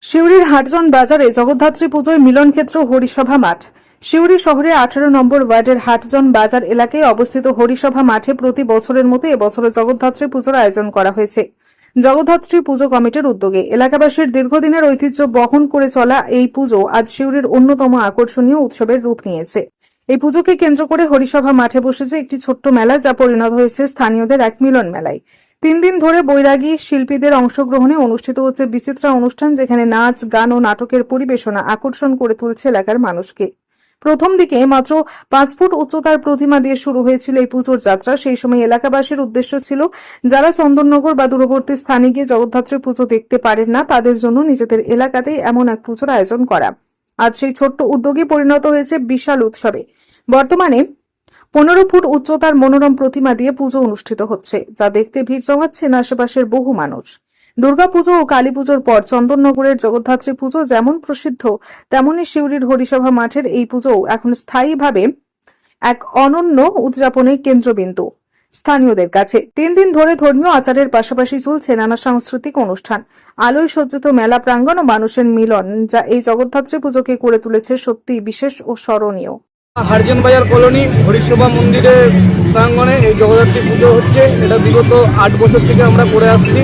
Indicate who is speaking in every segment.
Speaker 1: সিউড়ির হাটজন বাজারে জগদ্ধাত্রী পুজোয় মিলনক্ষেত্র হরিসভা মাঠ। সিউড়ি শহরে 18 নম্বর ওয়ার্ডের হাটজন বাজার এলাকায় অবস্থিত হরিসভা মাঠে প্রতি বছরের মতো এবছরে জগদ্ধাত্রী পুজোর আয়োজন করা হয়েছে। জগদ্ধাত্রী পুজো কমিটির উদ্যোগে এলাকাবাসীর দীর্ঘদিনের ঐতিহ্য বহন করে চলা এই পুজো আজ সিউড়ির অন্যতম আকর্ষণীয় উৎসবের রূপ নিয়েছে। এই পুজোকে কেন্দ্র করে হরিসভা মাঠে বসেছে একটি ছোট্ট মেলা, যা পরিণত হয়েছে স্থানীয়দের এক মিলন মেলায়। 3 দিন ধরে বৈরাগী শিল্পীদের অংশগ্রহণে অনুষ্ঠিত হচ্ছে বিচিত্রা অনুষ্ঠান, যেখানে নাচ, গান ও নাটকের পরিবেশনা আকর্ষণ করে তুলছে এলাকার মানুষকে। প্রথম দিকে মাত্র 5 ফুট উচ্চতার প্রতিমা দিয়ে শুরু হয়েছিল এই পুজোর যাত্রা। সেই সময় এলাকাবাসীর উদ্দেশ্য ছিল, যারা চন্দননগর বা দূরবর্তী স্থানে গিয়ে জগদ্ধাত্রী পুজো দেখতে পারেন না, তাদের জন্য নিজেদের এলাকাতেই এমন এক পুজোর আয়োজন করা। আজ সেই ছোট্ট উদ্যোগে পরিণত হয়েছে বিশাল উৎসবে। বর্তমানে 15 ফুট উচ্চতার মনোরম প্রতিমা দিয়ে পুজো অনুষ্ঠিত হচ্ছে, যা দেখতে ভিড় জমাচ্ছেন আশেপাশের বহু মানুষ। দুর্গাপুজো ও কালী পুজোর পর চন্দননগরের জগদ্ধাত্রী পুজো যেমন প্রসিদ্ধ, তেমনি সিউড়ির হরিসভা মাঠের এই পুজো এখন স্থায়ীভাবে এক অনন্য উদযাপনের কেন্দ্রবিন্দু স্থানীয়দের কাছে। 3 দিন ধরে ধর্মীয় আচারের পাশাপাশি চলছে নানা সাংস্কৃতিক অনুষ্ঠান, আলোয় সজ্জিত মেলা প্রাঙ্গণ ও মানুষের মিলন, যা এই জগদ্ধাত্রী পুজোকে করে তুলেছে সত্যিই বিশেষ ও স্মরণীয়।
Speaker 2: হারজন বাজার কলোনি হরিসভা মন্দিরের প্রাঙ্গণে এই জগদ্ধাত্রী পুজো হচ্ছে। এটা বিগত 8 বছর থেকে আমরা করে আসছি।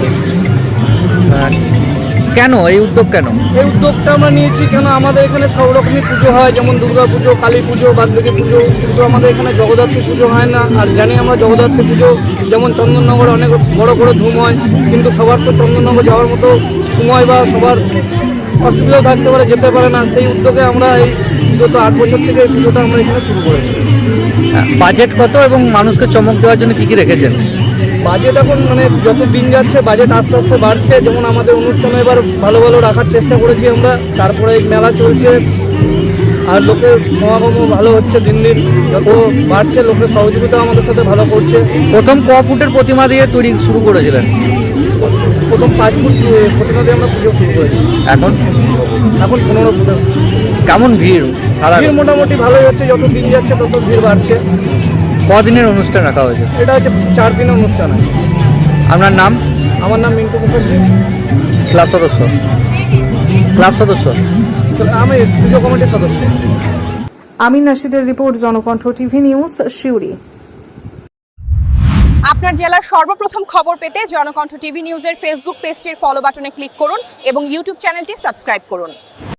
Speaker 3: কেন এই উদ্যোগ? কেন
Speaker 2: এই উদ্যোগটা আমরা নিয়েছি কেন, আমাদের এখানে সব রকমই পুজো হয়, যেমন দুর্গা পুজো, কালী পুজো, বাদবাকি পুজো, কিন্তু আমাদের এখানে জগদ্ধাত্রী পুজো হয় না। আর জানি আমরা জগদ্ধাত্রী পুজো যেমন চন্দননগরে অনেক বড় বড় ধুম হয়, কিন্তু সবার তো চন্দননগর যাওয়ার মতো সময় বা সবার অসুবিধাও থাকতে পারে, যেতে পারে না। সেই উদ্যোগে আমরা এই বিগত 8 বছর থেকে এই পুজোটা আমরা এখানে শুরু করেছি।
Speaker 3: বাজেট কত এবং মানুষকে চমক দেওয়ার জন্য কি কি রেখেছেন?
Speaker 2: বাজেট এখন যত দিন যাচ্ছে বাজেট আস্তে আস্তে বাড়ছে। যেমন আমাদের অনুষ্ঠানে এবার ভালো ভালো রাখার চেষ্টা করেছি আমরা। তারপরে মেলা চলছে আর লোকের সমাগমও ভালো হচ্ছে। দিন দিন যত বাড়ছে লোকের সহযোগিতা আমাদের সাথে ভালো করছে।
Speaker 3: প্রথম ক ফুটের প্রতিমা দিয়ে তৈরি শুরু করেছিলেন?
Speaker 2: প্রথম 5 ফুট প্রতিমা দিয়ে আমরা পুজো শুরু করেছি।
Speaker 3: এখন
Speaker 2: 15 ফুটের।
Speaker 3: কেমন ভিড়?
Speaker 2: ভিড় মোটামুটি ভালোই হচ্ছে, যত দিন যাচ্ছে তত ভিড় বাড়ছে।
Speaker 3: কদিনের অনুষ্ঠান রাখা হয়েছে?
Speaker 2: এটা হচ্ছে 4 দিনের অনুষ্ঠান আছে।
Speaker 3: আপনার নাম?
Speaker 2: আমার নাম মিন্টু মুখার্জি।
Speaker 3: ক্লাব সদস্য?
Speaker 2: আমি পুজো কমিটির সদস্য।
Speaker 1: আমিন নাশিদের report, Janakantha TV news, Suri.
Speaker 4: আপনার জেলার সর্বপ্রথম খবর পেতে জনকণ্ঠ টিভি নিউজের ফেসবুক পেজটির ফলো বাটনে ক্লিক করুন এবং ইউটিউব চ্যানেলটি সাবস্ক্রাইব করুন।